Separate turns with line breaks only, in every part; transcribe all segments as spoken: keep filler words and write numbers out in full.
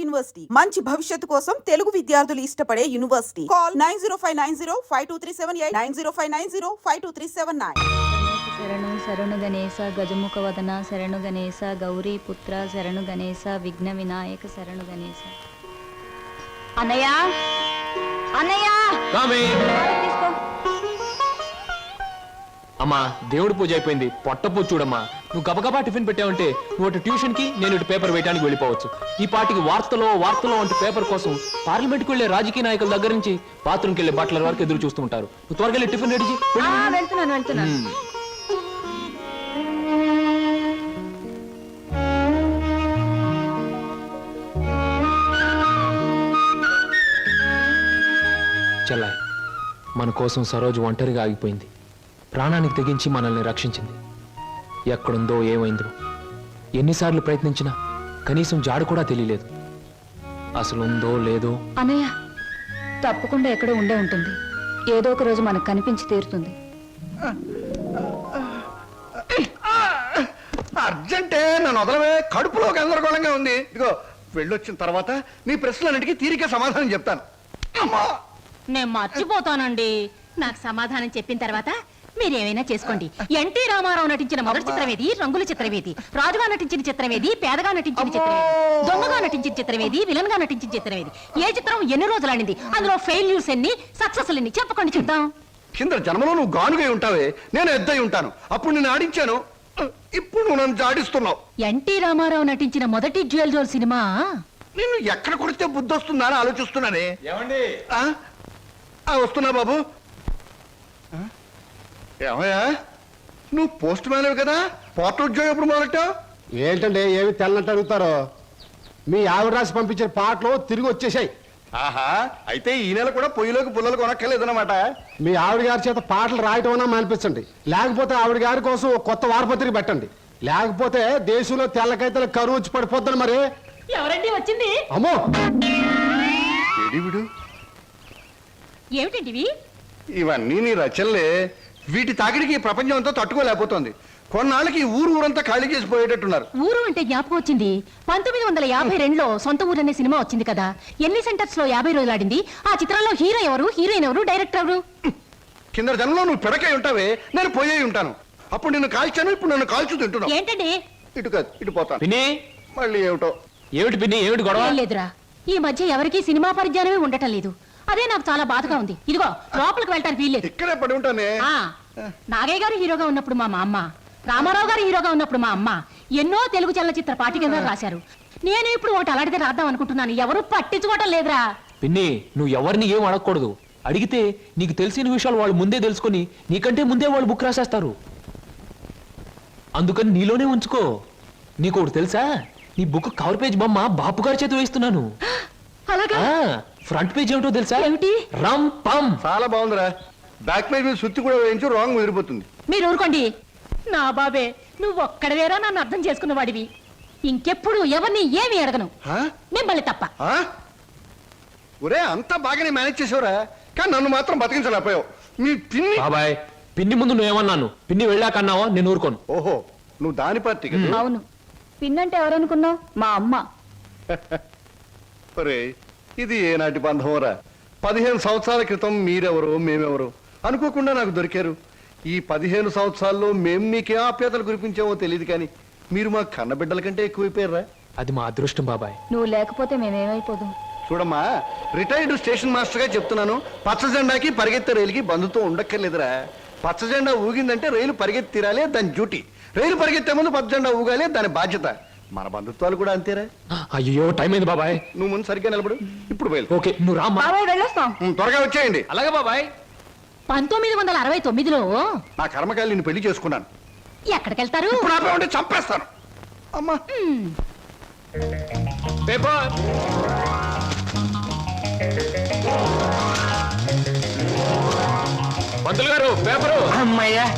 University మంచి భవిష్యత్తు కోసం తెలుగు విద్యార్థులు ఇష్టపడే university. Call nine zero five nine zero five two three seven eight nine zero five nine zero five two three seven nine.
శరణు శరణు గణేశ గజముఖ వదన శరణు గణేశ గౌరీ పుత్ర శరణు గణేశ విఘ్న వినాయక శరణు గణేశ. అన్నయ్య అన్నయ్య తీసుకో.
అమ్మా దేవుడి పూజ అయిపోయింది, పొట్ట పూజ చూడమ్మా. నువ్వు గబగబా టిఫిన్ పెట్టావంటే నువ్వు అటు ట్యూషన్ కి, నేను ఇటు పేపర్ వేయడానికి వెళ్ళిపోవచ్చు. ఈ పాటికి వార్తలో వార్తలో అంటే పేపర్ కోసం పార్లమెంట్ కు వెళ్లే రాజకీయ నాయకుల దగ్గర నుంచి బాత్రూమ్కి వెళ్లే బట్టల వరకు ఎదురు చూస్తూ ఉంటారు. నువ్వు త్వరగా వెళ్ళి టిఫిన్ రెడీ చేయి.
వెళ్తున్నాను వెళ్తున్నాను.
చెల్లాయ్, మన కోసం సరోజు ఒంటరిగా ఆగిపోయింది. ప్రాణానికి తెగించి మనల్ని రక్షించింది. ఎక్కడుందో ఏమైందో ఎన్నిసార్లు ప్రయత్నించినా కనీసం జాడు కూడా తెలియలేదు. అసలు ఉందో లేదో.
అన్నయ్య తప్పకుండా ఎక్కడో ఉండే ఉంటుంది. ఏదో ఒక రోజు మనకు కనిపించి తీరుతుంది.
అర్జెంటే నన్ను వదలవే, కడుపులో గందరగోళంగా ఉంది. ఇదిగో వెళ్ళొచ్చిన తర్వాత నీ ప్రశ్నలన్నిటికీ తీరిక సమాధానం చెప్తాను.
నేను మర్చిపోతానండి. నాకు సమాధానం చెప్పిన తర్వాత మీరేమైనా చేసుకోండి. ఎన్టీ రామారావు నటించిన మొదటి చిత్రమేది, రంగుల చిత్రమేది, రాజుగా నటించిన చిత్రమేది, పేదగా నటించిన చిత్రమేది, దొంగగా నటించిన చిత్రమేది, విలన్ గా నటించిన చిత్రమేది, ఏ చిత్రం ఎన్ని రోజులు ఆడింది, అందులో ఫెయిల్యూర్స్ ఎన్ని, సక్సెస్ ఎన్ని చెప్పకండి చూద్దాం.
కింద జన్మలో నువ్వు గానుగై ఉంటావే, నేను ఎద్దై ఉంటాను. అప్పుడు నేను ఆడించాను, ఇప్పుడు నువ్వు నన్ను జాడిస్తున్నావు.
ఎన్టీ రామారావు నటించిన మొదటి జ్యువెల్ జోల్ సినిమా
నిన్ను ఎక్కడ కొడితే బుద్ధి వస్తుందా అని ఆలోచిస్తున్నానే. వస్తున్నా బాబు. ఏమయ్యా, నువ్వు పోస్ట్ మ్యాన్ కదా, పోర్ట్ ఉద్యోగం ఎప్పుడు మొదలెట్టావు?
ఏంటంటే ఏమి తెల్లంటే అడుగుతారో. మీ ఆవిడ రాసి పంపించిన పాటలు తిరిగి వచ్చేసాయి.
ఆహా, అయితే ఈ నెల కూడా పొయ్యిలోకి పుల్లలు కొనక్కర్లేదన్నమాట.
మీ ఆవిడ గారి చేత పాటలు రాయటం అన్నా మానిపించండి, లేకపోతే ఆవిడ గారి కోసం కొత్త వారపత్రిక పెట్టండి. లేకపోతే దేశంలో తెల్లకైతే కరువు వచ్చి పడిపోద్దని. మరి
ఎవరండి వచ్చింది?
అమ్మో
విడు,
ఏమిటండి
ఇవన్నీ నీ రచనలే. వీటి తాకిడికి ప్రపంచం అంతా తట్టుకోలేకపోతుంది. కొన్నాళ్ళకి ఊరు ఊరంతా ఖాళీ చేసి పోయేటట్టున్నారు.
ఊరు అంటే జ్ఞాపకం వచ్చింది. పంతొమ్మిది వందల యాభై రెండులో సొంత ఊరు అనే సినిమా వచ్చింది కదా. ఎన్ని సెంటర్స్ లో యాభై రోజులు ఆడింది. ఆ చిత్రంలో హీరో ఎవరు, హీరోయిన్ ఎవరు, డైరెక్టర్ ఎవరు?
కింద జనంలో నువ్వు పిడకై ఉంటావే, నేను పోయే ఉంటాను. అప్పుడు నిన్ను కాల్చాను, ఇప్పుడు నన్ను కాల్చు తింటున్నావు.
ఏంటండి?
ఇటు కాదు, ఇటు పోతాను.
పిన్ని,
మళ్ళీ ఏమిటో.
ఏమిటి పిన్ని, ఏమిటి గొడవ?
లేదురా, ఈ మధ్య ఎవరికి సినిమా పరిజ్ఞానమే ఉండటం లేదు. అదే నాకు చాలా బాధగా ఉంది. ఇదిగో లోపలికి వెళ్ళటానికి వీల్లేదు.
ఇక్కడే పడి ఉంటానే.
నాగయ్య గారు హీరోగా ఉన్నప్పుడు మా అమ్మ, రామారావు గారు హీరోగా ఉన్నప్పుడు మా అమ్మ ఎన్నో తెలుగు చలనచిత్ర పాఠికగా రాశారు. నేను ఇప్పుడు ఒకటి అలాంటిదే రాద్దాం అనుకుంటున్నాను. ఎవరు పట్టించుకోవటం లేదురా.
పిన్ని, నువ్వు ఎవరిని ఏం అడగకూడదు. అడిగితే నీకు తెలిసిన విషయాలు వాళ్ళు ముందే తెలుసుకొని నీకంటే ముందే వాళ్ళు బుక్ రాసేస్తారు. అందుకని నీలోనే ఉంచుకో. నీకు ఒకటి తెలుసా, నీ బుక్ కవర్ పేజ్ బొమ్మ బాపు గారి చేతి వేస్తున్నాను.
అలాగా?
ఫ్రంట్ పేజ్ ఏమిటో తెలుసా?
ఏమిటి?
రమ్ పమ్.
చాలా బాగుందిరా. బ్యాక్ పేజ్ మీద సుత్తి కూడా వేయించు, రాంగ్ ముదిరిపోతుంది.
మీరు ఊరుకోండి. నా బాబే, నువ్వు ఒక్కడవేరా నన్ను అర్థం చేసుకున్న వాడివి. ఇంకెప్పుడు ఎవరిని ఏమి అడగను, మిమ్మల్ని తప్ప.
ఒరే, అంతా బాగానే మేనేజ్ చేసావురా, కానీ నన్ను మాత్రం బతికించలేకపోయావు. మీ పిన్ని.
బాబాయ్, పిన్ని ముందు నువ్వేమన్నాను, పిన్ని వెళ్ళాకన్నావా? నేను ఊరుకోను.
ఓహో, నువ్వు దాని పార్టీ.
అవును, పిన్నంటే ఎవరనుకున్నావు? మా అమ్మ.
ఒరే, ఇది ఏనాటి బంధంరా. పదిహేను సంవత్సరాల క్రితం మీరెవరు, మేమెవరు అనుకోకుండా నాకు దొరికారు. ఈ పదిహేను సంవత్సరాల్లో మేము మీకే ఆప్యాతలు కురిపించామో తెలియదు, కానీ మీరు మా కన్నబిడ్డల కంటే ఎక్కువైపోయారా.
అది మా అదృష్టం బాబాయ్.
నువ్వు లేకపోతే మేమేమైపోదు.
చూడమ్మా, రిటైర్డ్ స్టేషన్ మాస్టర్ గా చెప్తున్నాను, పచ్చ జెండాకి పరిగెత్తే రైలుకి బంధుతో ఉండక్కర్లేదురా. పచ్చ జెండా ఊగిందంటే రైలు పరిగెత్తి తీరాలే, దాని డ్యూటీ. రైలు పరిగెత్తే ముందు పచ్చ జెండా ఊగాలే, దాని బాధ్యత. మన బంధుత్వాలు కూడా అంతేరా.
అయ్యో, టైం అయింది బాబాయ్.
నువ్వు ముందు సరిగ్గా నిలబడు, ఇప్పుడు బయలు.
ఓకే, నువ్వు రామ్మా.
వెళ్ళొస్తాం.
త్వరగా వచ్చేయండి.
అలాగే బాబాయ్.
పంతొమ్మిది వందల అరవై తొమ్మిదిలో
నా కర్మకాయలు నిన్ను పెళ్లి చేసుకున్నాను.
ఎక్కడికెళ్తారు?
ఇప్పుడు ఆపే ఉంటే చంపేస్తాను. అమ్మా,
పేపర్. పంతులు గారు, పేపరు.
అమ్మయ్యా,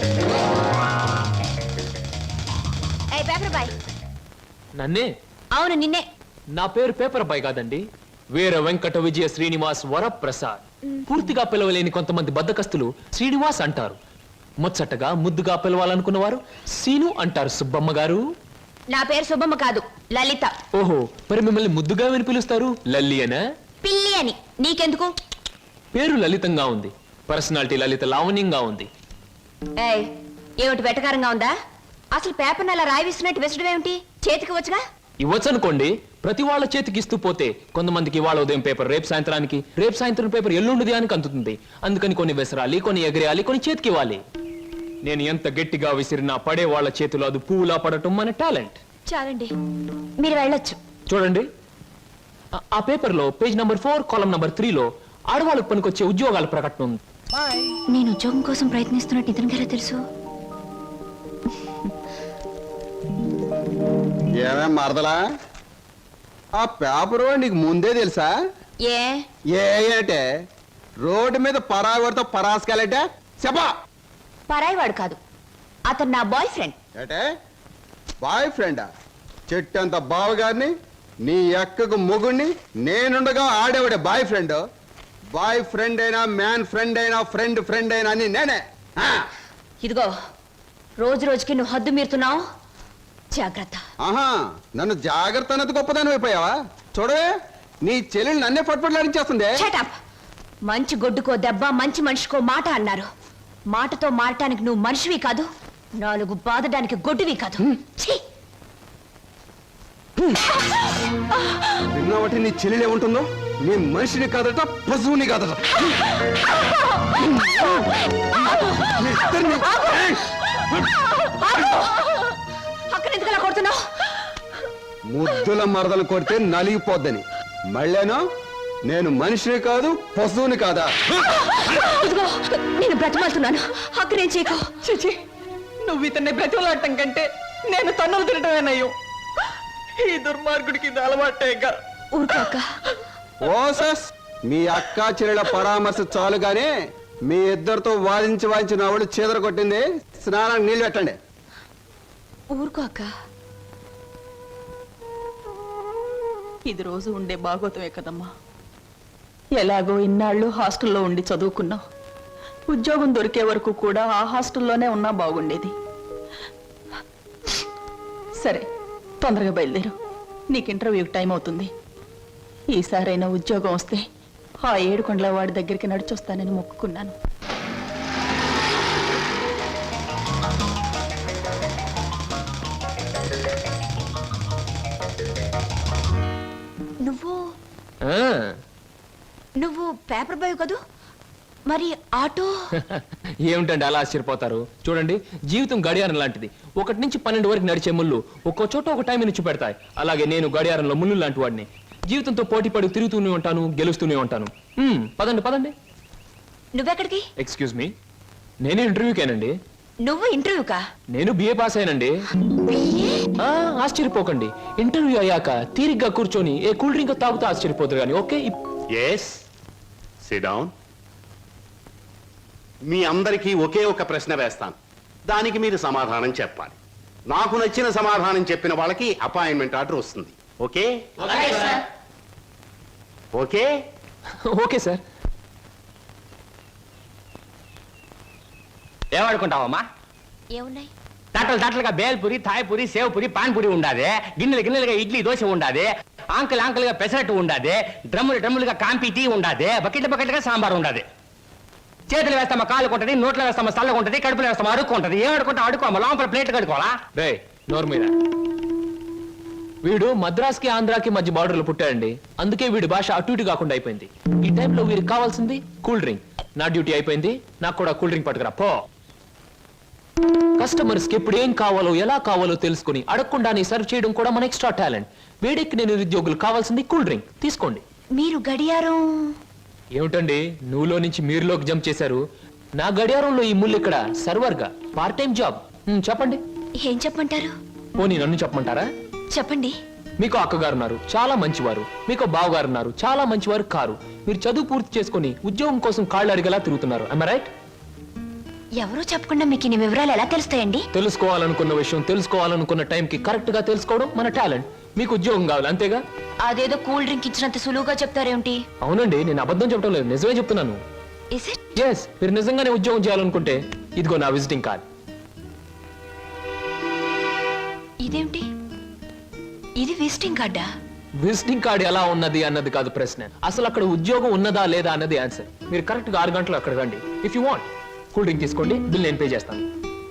పేపర్ బాయ్.
నన్నే?
అవును, నిన్నే.
నా పేరు పేపర్ బాయ్ కాదండి, వీర వెంకట విజయ శ్రీనివాస్ వరప్రసాద్. పూర్తిగా పిలవలేని కొంతమంది బద్దకస్తులు శ్రీనివాస్ అంటారు. ముచ్చటగా ముద్దుగా పిలవాలనుకున్న వారు సీను అంటారు. సుబ్బమ్మ గారు.
నా పేరు సుబ్బమ్మ కాదు,
లలిత.
ఓహో, మరి మిమ్మల్ని ముద్దుగా విని పిలుస్తారు లల్లి అనా?
పిల్లి అని నీకెందుకు?
పేరు లలితంగా ఉంది, పర్సనాలిటీ లలిత లావణ్యంగా ఉంది.
ఏయ్, ఏమిటి వెటకారంగా ఉందా? అసలు పేపర్ని అలా రాయి విసినట్టు విసడం ఏమిటి? చేతికి వచ్చుగా.
ఇవ్వచ్చు అనుకోండి, ప్రతి వాళ్ళ చేతికి ఇస్తూ పోతే కొంతమందికి ఇవాళ ఉదయం పేపర్ రేపు సాయంత్రానికి, రేపు సాయంత్రం పేపర్ ఎల్లుండి ఉదయానికి అందుతుంది. అందుకని కొన్ని విసరాలి, కొన్ని ఎగరేయాలి, కొన్ని చేతికి ఇవ్వాలి. నేను ఎంత గట్టిగా విసిరినా పడే వాళ్ళ చేతిలో అది పువ్వులా పడటం మన టాలెంట్.
చాలండి, మీరు వెళ్ళొచ్చు.
చూడండి, ఆ- ఆ పేపర్లో page number four column number త్రీలో ఆడవాళ్ళకు పనికొచ్చే ఉద్యోగాల ప్రకటన ఉంది.
నేను ఉద్యోగం కోసం ప్రయత్నిస్తున్నట్టు ఇతనికి ఎలా తెలుసు?
ఏమేం మరదలా, ఆ పేపరు నీకు ముందే తెలుసా?
ఏ
ఏ అంటే రోడ్డు మీద పరాగడితో పరాసుకెళ్ళటే చెప్పా.
పరాయివాడు కాదు, అతను నా బాయ్ ఫ్రెండ్.
ఏటే బాయ్ ఫ్రెండా? చెట్టంత బావగారిని, నీ ఎక్కకు మొగుణ్ణి, నేనుండగా ఆడేవాడే బాయ్ ఫ్రెండ్. బాయ్ ఫ్రెండ్ అయినా, మ్యాన్ ఫ్రెండ్ అయినా, ఫ్రెండ్ ఫ్రెండ్ అయినా అని నేనే. ఆ?
ఇదిగో, రోజు రోజుకి నువ్వు హద్దు మీరుతున్నావు, జాగ్రత్త.
ఆహా, నన్ను జాగ్రత్త అన్నది గొప్పదాని అయిపోయావా? చూడవే, నీ చెల్లెలు నన్నే పట్టుపట్లాడించేస్తుంది.
Shut up. మంచి గొడ్డుకో దెబ్బ, మంచి మనిషికో మాట అన్నారు. మాటతో మారటానికి నువ్వు మనిషివి కాదు, నాలుగు బాదడానికి గొడ్డువి కాదు. ఛీ!
విన్నావటి నీ చెల్లెలు ఏముంటుందో? నీ మనిషిని కాదట, పశువుని కాదట. మీ ఇద్దరిని- ఏయ్!
అక్కడ ఎందుకు అలా కొడుతున్నావు?
ముద్దుల మరదలు కొడితే నలిగిపోద్దని. మళ్ళేనో నేను మనిషిని కాదు, పశువుని కాదా?
ఇదిగో, నేను బ్రతిమాలుతున్నాను, అక్కడేం చేయకు.
చిచి, నువ్వు ఇతన్ని బ్రతిమలాడటం కంటే నేను తన్నులు తినటమేనయ్యో. ఈ దుర్మార్గుడికి ఇది అలవాటేగా.
ఊరుకోక.
ఓసస్, మీ అక్క చెల్లెల పరామర్శ చాలు గానీ మీ ఇద్దరితో వాదించి వాదించి నా వాళ్ళు చీదర కొట్టింది. స్నానానికి నీళ్ళు పెట్టండి.
ఊరుకోక.
ఇది రోజు ఉండే బాగోతమే కదమ్మా. ఎలాగో ఇన్నాళ్ళు హాస్టల్లో ఉండి చదువుకున్నావు. ఉద్యోగం దొరికే వరకు కూడా ఆ హాస్టల్లోనే ఉన్నా బాగుండేది. సరే, తొందరగా బయలుదేరు, నీకు ఇంటర్వ్యూకి టైం అవుతుంది. ఈసారైనా ఉద్యోగం వస్తే ఆ ఏడుకొండల వాడి దగ్గరికి నడిచొస్తానని మొక్కుకున్నాను.
నువ్వు
ఆ,
నువ్వు పేపర్ బాయ్ కదూ, మరి ఆటో?
ఏమిటండి అలా ఆశ్చర్యపోతారు? చూడండి, జీవితం గడియారం లాంటిది. ఒకటి నుంచి పన్నెండు వరకు నడిచే ముళ్ళు ఒక్కో చోట ఒక టైం నుంచి పెడతాయి. అలాగే నేను గడియారంలో ముళ్ళు లాంటి వాడిని. జీవితంతో పోటీ పడి తిరుగుతూనే ఉంటాను, గెలుస్తూనే ఉంటాను. మ్మ్, పదండి పదండి.
నువ్వెక్కడికి?
ఎక్స్క్యూజ్ మీ, నేను ఇంటర్వ్యూకేనండి.
నువ్వు ఇంటర్వ్యూకా?
నేను బిఏ పాస్ అయినండి. ఆ, ఆశ్చర్యపోకండి. ఇంటర్వ్యూ అయ్యాక తీరిగ్గా కూర్చొని ఏ కూల్ డ్రింక్ తాగుతూ ఆశ్చర్యపోతారు కానీ. Okay,
yes, sit down. మీ అందరికీ ఒకే ఒక ప్రశ్న వేస్తాను, దానికి మీరు సమాధానం చెప్పాలి. నాకు నచ్చిన సమాధానం చెప్పిన వాళ్ళకి అపాయింట్మెంట్ ఆర్డర్ వస్తుంది. Okay okay
okay sir.
ఏమనుకుంటావమ్మా?
ఏమున్నాయి?
తట్టలు తట్టలుగా బేల్పూరి, థాయ్పూరి, సేవ్పూరి, పాన్పూరి ఉండాది. గిన్నెలు గిన్నెలుగా ఇడ్లీ దోశ ఉండాది. ఆంకలు ఆంకలుగా పెసరట్టు ఉండాది. డ్రమ్ములు డ్రమ్ములుగా కాంపి టీ ఉండాది. బకెట్ల బకెట్లుగా సాంబార్ ఉండాది. చేతులు వేస్తామా కాలు కొంటది, నోట్లో వేస్తామా చల్లగా ఉంటది, కడుపులో వేస్తామా అడుక్కుంటది. ఏం అడుకుంటా అడుకోమా, లోపల ప్లేట్ కడుకోవాలా?
రే నోరు మీద. వీడు మద్రాస్కి ఆంధ్రాకి మధ్య బార్డర్లో పుట్టాడండి. అందుకే వీడి భాష అటు ఇటు కాకుండా అయిపోయింది. ఈ టైంలో వీరికి కావాల్సింది కూల్ డ్రింక్. నా డ్యూటీ అయిపోయింది, నాకు కూడా కూల్ డ్రింక్ పట్టుకురా పో. కస్టమర్స్ కి ఎప్పుడు ఏం కావాలో ఎలా కావాలో తెలుసుకుని అడగకుండానే సర్వ్ చేయడం కూడా మన ఎక్స్ట్రా టాలెంట్. వేడెక్కి నేను నిరుద్యోగులు కావాల్సింది కూల్ డ్రింక్. తీసుకోండి.
మీరు గడియారం?
ఏమిటండి నువ్వులో నుంచి మీరులోకి జంప్ చేశారు? నా గడియారంలో ఈ ముళ్ళు ఇక్కడ సర్వర్ గా పార్ట్ టైం జాబ్. హ్మ్, చెప్పండి.
ఏం చెప్పమంటారు?
పోనీ నన్ను చెప్పమంటారా?
చెప్పండి.
మీకు అక్కగారు ఉన్నారు, చాలా మంచివారు. మీకు బావగారు ఉన్నారు, చాలా మంచివారు కారు. మీరు చదువు పూర్తి చేసుకుని ఉద్యోగం కోసం కాళ్ళు అడిగేలా తిరుగుతున్నారు. I right?
ఎవరో చెప్పకుండా మీకు ఇన్ని వివరాలు ఎలా తెలుస్తాయండి?
తెలుసుకోవాలనుకున్న విషయం తెలుసుకోవాలనుకున్న టైంకి కరెక్ట్ గా తెలుసుకోవడం మన టాలెంట్. మీకు ఉద్యోగం కావాలి అంతేగా?
అదేదో కూల్ డ్రింక్ ఇచ్చినంత సులువుగా చెప్తారేమిటి?
అవునండి, నేను అబద్ధం చెప్పడం లేదు, నిజమే చెప్తున్నాను.
Is it?
ఎస్, మీరు నిజంగానే ఉద్యోగం చేయాలనుకుంటే ఇదిగో నా విజిటింగ్ కార్డ్.
ఇదేమిటి? ఇది విజిటింగ్ కార్డా?
విజిటింగ్ కార్డ్ ఎలా ఉన్నది అన్నది కాదు ప్రశ్న, అసలు అక్కడ ఉద్యోగం ఉన్నదా లేదా అన్నది ఆన్సర్. మీరు కరెక్ట్ గా ఆరు గంటలు అక్కడ రండి. If you want cool drink తీసుకోండి, బిల్ నేను పే చేస్తాను.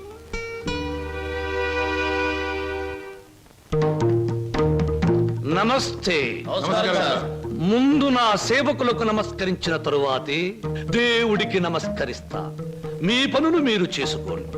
నమస్తే. ముందు నా సేవకులకు నమస్కరించిన తరువాతే దేవుడికి నమస్కరిస్తా. మీ పనులు మీరు చేసుకోండి.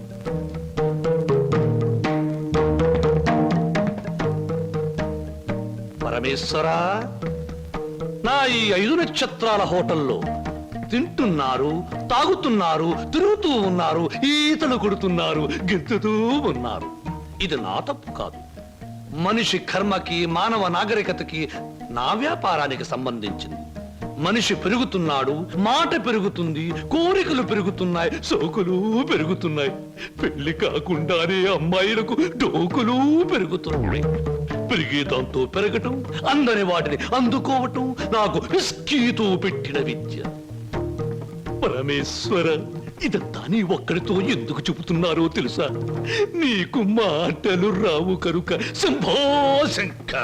పరమేశ్వరా, నా ఈ ఐదు నక్షత్రాల హోటల్లో తింటున్నారు, తాగుతున్నారు, తిరుగుతూ ఉన్నారు, ఈతలు కొడుతున్నారు, గెంతుతూ ఉన్నారు. ఇది నా తప్పు కాదు. మనిషి కర్మకి, మానవ నాగరికతకి, నా వ్యాపారానికి సంబంధించింది. మనిషి పెరుగుతున్నాడు, మాట పెరుగుతుంది, కోరికలు పెరుగుతున్నాయి, సోకులు పెరుగుతున్నాయి. పెళ్లి కాకుండానే అమ్మాయిలకు డోకులు పెరుగుతున్నాయి. పెరిగే దాంతో పెరగటం, అందని వాటిని అందుకోవటం నాకు విస్కీతో పెట్టిన విద్య. పరమేశ్వర, ఇదంతా నీ ఒక్కడితో ఎందుకు చెబుతున్నారో తెలుసా? నీకు మాటలు రావు కనుక. Shambho Shankara.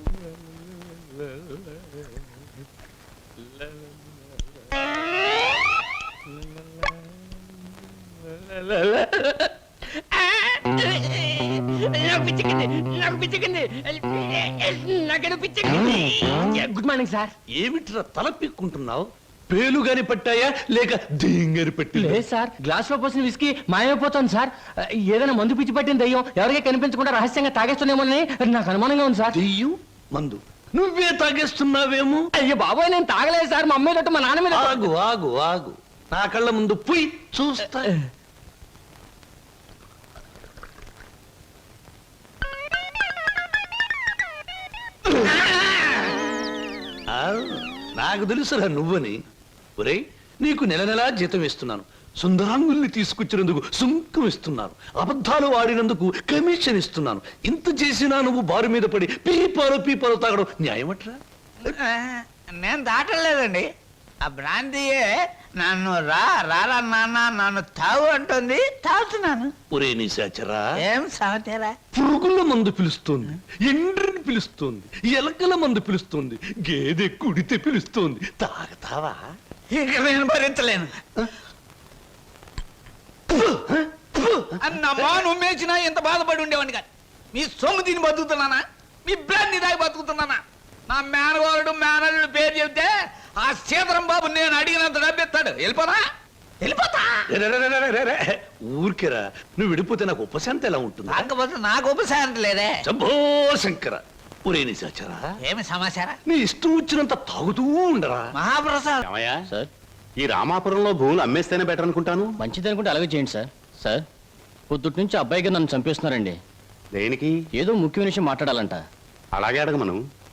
Good morning sir.
ఏమిట్రా తల పిక్కుంటున్నావు? పేలుగాని పట్టాయా లేక దేంగాని పట్టి?
లేదు సార్, గ్లాస్ లో పోసిన విస్కీ మాయమైపోతుంది సార్. ఏదైనా మందు పిచ్చి పట్టిన దయ్యం ఎవరికీ కనిపించకుండా రహస్యంగా తాగేస్తున్నామోనని నాకు అనుమానంగా ఉంది సార్.
దెయ్యం మందు నువ్వే తాగేస్తున్నావేమో.
అయ్యో బాబోయ్, నేను తాగలేదు సార్. మా అమ్మాయి తోటి మా నాన్న మీద.
ఆగు ఆగు ఆగు, నా కళ్ళ ముందు పోయి చూస్తా. ఆ, నాకు తెలుసురా నువ్వని. ఒరేయ్, నీకు నెల నెలా జీతం ఇస్తున్నాను, సుందరాంగుల్ని తీసుకొచ్చినందుకు సుంకం ఇస్తున్నాను, అబద్ధాలు ఆడినందుకు కమిషన్ ఇస్తున్నాను. ఇంత చేసినా నువ్వు బారు మీద పడి పీపాలు పీపాలు తాగడం న్యాయమట్రా?
నేను దాటలేదండి. ఆ బ్రాంతియే నన్ను రా రారా నాన్న నన్ను తాగు అంటుంది, తాగుతున్నాను.
ఒరే నిశాచరా,
ఏం సమాచారా?
పురుగుల మందు పిలుస్తోంది, ఎండ్రిని పిలుస్తోంది, ఎలకల మందు పిలుస్తోంది, గేదె కుడితే పిలుస్తోంది. తాగతావా?
ఇక నేను భరించలేను. అన్నమ్మా, నువ్వు మేచినా ఎంత బాధపడి ఉండేవాడిని కాదు. మీ సొమ్ము తిని బతుకుతున్నానా? మీ బ్రాంతి దాగి బతుకుతున్నానా? నా మేనవారుడు మేనల్లుడు పేరు చెబితే ఆ సీతరం బాబు నేను అడిగినంత డబ్బిస్తాడు. వెళ్ళిపోనా? వెళ్ళిపోతా.
రే, రే, రే, రే, రే, రే. ఊరికేరా, నువ్వు విడిపోతే నాకు ఉపశాంతి ఎలా ఉంటుంది?
కాకపోతే నాకు ఉపశాంతి లేదే.
శంభో శంకర. ఒరే నిశాచరా,
ఏమి సమాచారం?
నీ ఇష్టం వచ్చినంత తాగుతూ ఉండరా.
మహాప్రసాద్,
ఏమయ్యా సార్, ఈ రామాపురంలో భూములు అమ్మేస్తేనే బెటర్ అనుకుంటాను.
మంచిది అనుకుంటే అలాగే చేయండి సార్. సార్, పొద్దుటి నుంచి అబ్బాయిగా నన్ను చంపేస్తున్నారండి.
దేనికి?
ఏదో ముఖ్యమైన విషయం మాట్లాడాలంట.
అలాగే అడగమను.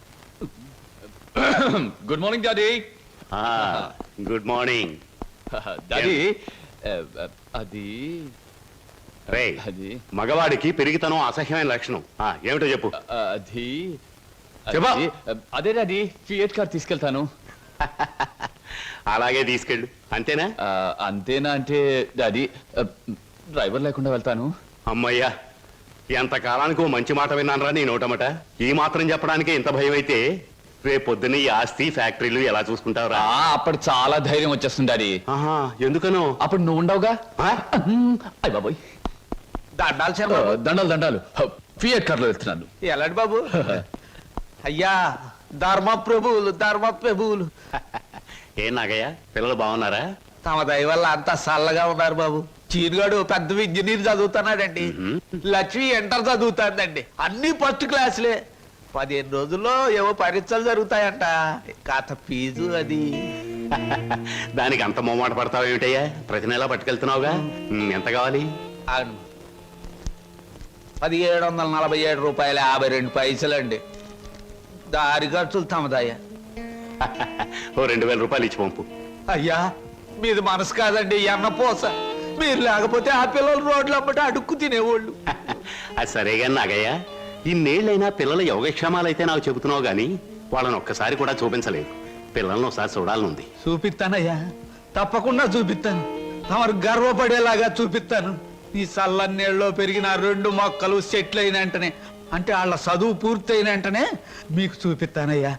Good morning daddy.
Good morning
daddy, అది
రే.
అది
మగవాడికి పెరిగితనం అసహ్యమైన లక్షణం. ఆ, ఏమిటో చెప్పు.
అది
చెప్పా.
అది- అదే డాడీ, ఫియట్ కార్ తీసుకెళ్తాను.
అలాగే తీసుకెళ్ళు, అంతేనా?
ఆ, అంతేనా అంటే డాడీ, డ్రైవర్ లేకుండా వెళ్తాను.
అమ్మయ్యా, ఎంత కాలానికి ఓ మంచి మాట విన్నానరా నీ నోటమట. ఈ మాత్రం చెప్పడానికి ఇంత భయం అయితే రేపు పొద్దున్న ఈ ఆస్తి ఫ్యాక్టరీలు ఎలా చూసుకుంటావురా?
ఆ, అప్పుడు చాలా ధైర్యం వచ్చేస్తుంది డాడీ.
ఆహా, ఎందుకనో?
అప్పుడు నువ్వు ఉండవుగా.
ఆ?
అయ్య బాబోయ్,
దండాలు
ఆ,
చెప్పు.
దండాలు దండాలు. ఫియట్ కార్ లో వెళ్తున్నాను.
ఎలాంటి బాబు? అయ్యా, ధర్మ ప్రభువులు ధర్మ ప్రభువులు
ఏం నాగయ్య, పిల్లలు బాగున్నారా?
తమ దయ వల్ల అంతా చల్లగా ఉన్నారు బాబు. చీరుగాడు పెద్ద ఇంజనీర్ చదువుతున్నాడండి. లక్ష్మి ఇంటర్ చదువుతాందండి. అన్ని ఫస్ట్ క్లాసులే. పదిహేను రోజుల్లో ఏవో పరీక్షలు జరుగుతాయంట. కాత ఫీజు అది.
దానికి అంత మొమ్మాట పడతావు ఏమిటయ్యా? ప్రతి నెలా పట్టుకెళ్తున్నావుగా. ఉమ్, ఎంత కావాలి?
అవును, పదిహేడు వందల నలభై ఏడు రూపాయల యాభై రెండు పైసలండి. దారి ఖర్చులు తమదయ్యా.
ఓ రెండు వేల రూపాయలు ఇచ్చి పంపు.
అయ్యా, మీది మనసు కాదండి, ఎన్న పోస. మీరు లేకపోతే ఆ పిల్లలు రోడ్లు అమ్మట అడుక్కు తినేవాళ్ళు.
అది సరేగా నాగయ్య, ఇన్నేళ్ళైనా పిల్లల యోగక్షేమాలైతే నాకు చెబుతున్నావు గానీ వాళ్ళని ఒక్కసారి కూడా చూపించలేదు. పిల్లల్ని ఒకసారి చూడాలనుంది.
చూపిస్తానయ్యా, తప్పకుండా చూపిస్తాను. తమరు గర్వపడేలాగా చూపిస్తాను. ఈ చల్లన్నీళ్ళలో పెరిగిన రెండు మొక్కలు సెట్లు అయిన వెంటనే అంటే వాళ్ళ చదువు పూర్తయిన వెంటనే మీకు చూపిస్తానయ్యా